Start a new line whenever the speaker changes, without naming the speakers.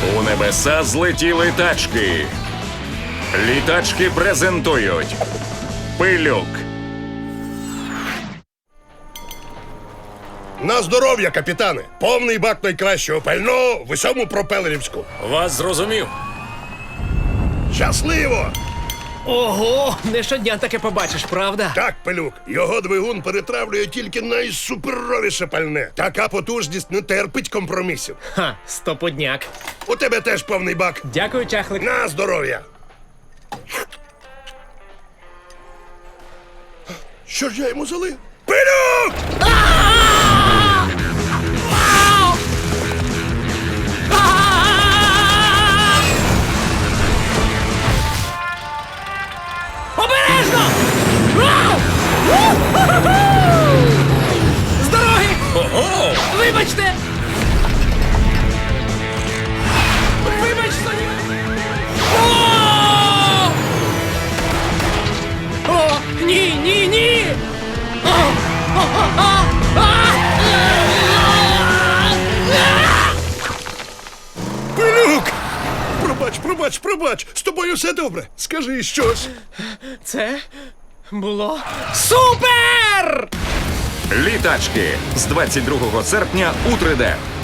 У небеса злетіли тачки. Літачки презентують Пилюк.
На здоров'я, капітане! Повний бак найкращого пального в усьому пропелерівську.
Вас зрозумів.
Щасливо!
Ого, не щодня таке побачиш, правда?
Так, Пилюк, його двигун перетравлює тільки найсуперовіше пальне. Така потужність не терпить компромісів.
Ха, стопудняк.
У тебе теж повний бак.
Дякую, чахлик.
На здоров'я! Що ж я йому залив? Пилюк!
Обережно! З дороги!
Ого!
Вибачте! Вибач, Соня! О, ні, ні, ні!
Пилюк! Пробач! З тобою все добре. Скажи щось.
Це було супер!
Літачки з 22 серпня у 3D.